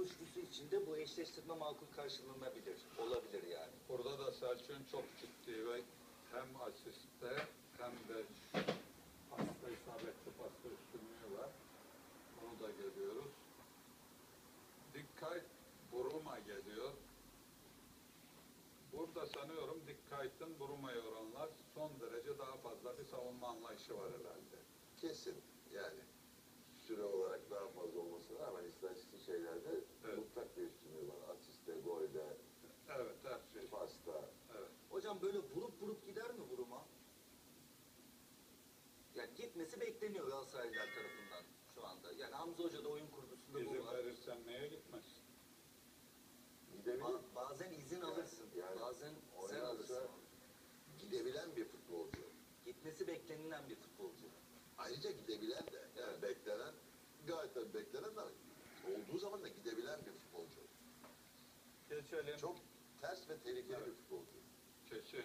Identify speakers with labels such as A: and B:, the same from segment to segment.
A: kavuştusu için de bu eşleştirme makul karşılanabilir. Olabilir yani.
B: Burada da Selçuk'un çok ciddi ve hem asiste hem de pasta isabetli pasta üstünlüğü var. Onu da görüyoruz. Dikkat Buruma geliyor. Burada sanıyorum Dikkait'in Buruma'ya oranlar son derece daha fazla bir savunma anlayışı var herhalde.
C: Kesin yani süre olarak daha fazla olmasına rağmen istatistik şeylerde
B: Evet.
C: mutlak bir üstünlüğü var. Asiste, golde,
B: Evet, her şey.
C: pasta.
B: Evet.
A: Hocam böyle vurup gider mi vuruma? Yani gitmesi bekleniyor Galatasaraylılar tarafından şu anda. Yani Hamza Hoca da oyun kurgusunda bu
B: İzin
A: var.
B: verirsen neye gitmez?
C: Gidebilir.
A: Bazen izin alırsın.
C: Yani
A: bazen sen
C: oynarsa
A: alırsın.
C: gidebilen bir futbolcu.
A: Gitmesi beklenilen bir futbolcu.
C: Ayrıca gidebilen de yani beklenen gayet tabii beklenen de olduğu zaman da gidebilen bir futbolcu.
B: Geçelim.
C: Çok ters ve tehlikeli
B: Evet.
C: bir futbolcu.
B: Kesin.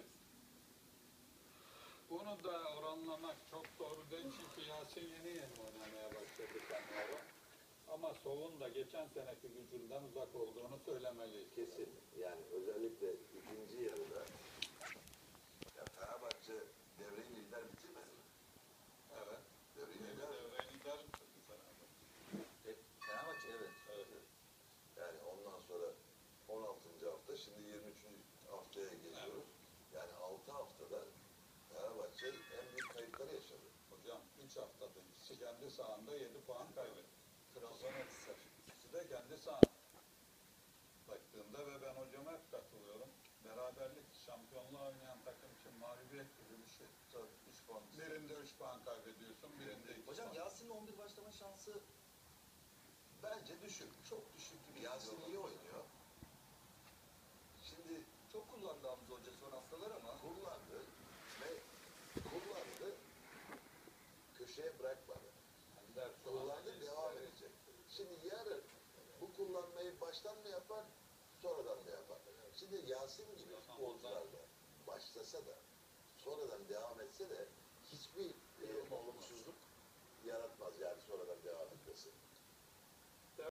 B: Bunu da oranlamak çok doğru değil çünkü Yasin yeni oynamaya başladı sanıyorum. Ama Sol'un da geçen seneki gücünden uzak olduğunu söylemeliyiz.
C: Kesin. Yani özellikle ikinci yarıda ya Fenerbahçe devreyi lider bitirmedi mi?
B: Evet.
C: Devreyi
B: Yeni
C: lider.
B: devre lider bitirdi Fenerbahçe.
A: Fenerbahçe evet.
B: Evet.
C: Yani ondan sonra 16. hafta şimdi 23. haftaya geliyoruz. Yani 6 haftada Fenerbahçe en büyük kayıpları yaşadı.
B: Hocam 3 haftada ikisi kendi sahanda 7 puan kaybetti.
A: Trabzonspor.
B: İkisi de kendi sahanda. Baktığında ve ben hocama hep katılıyorum. Beraberlik şampiyonluğa oynayan takım için mağlubiyet gibi bir şey.
A: Tabii 3 puan.
B: Birinde 3 puan kaybediyorsun, birinde 2
A: Hocam
B: puan.
A: Yasin'in 11 başlama şansı
C: Bence düşük.
A: çok düşük gibi.
C: Yasin
A: geliyor
C: iyi
A: bana.
C: oynuyor. Şimdi
A: Çok kullandı Hamza Hoca son haftalar ama.
C: kullandı ve kullandı, köşeye bırakmadı.
B: Ender şu anda
C: Kullandı, devam
B: gençleri-
C: edecek. Şimdi yarın bu kullanmayı baştan mı yapar, sonradan mı yapar? Şimdi Yasin gibi futbolcular da başlasa da, sonradan devam etse de hiçbir olumsuzluk yaratmaz yani sonradan devam etmesi.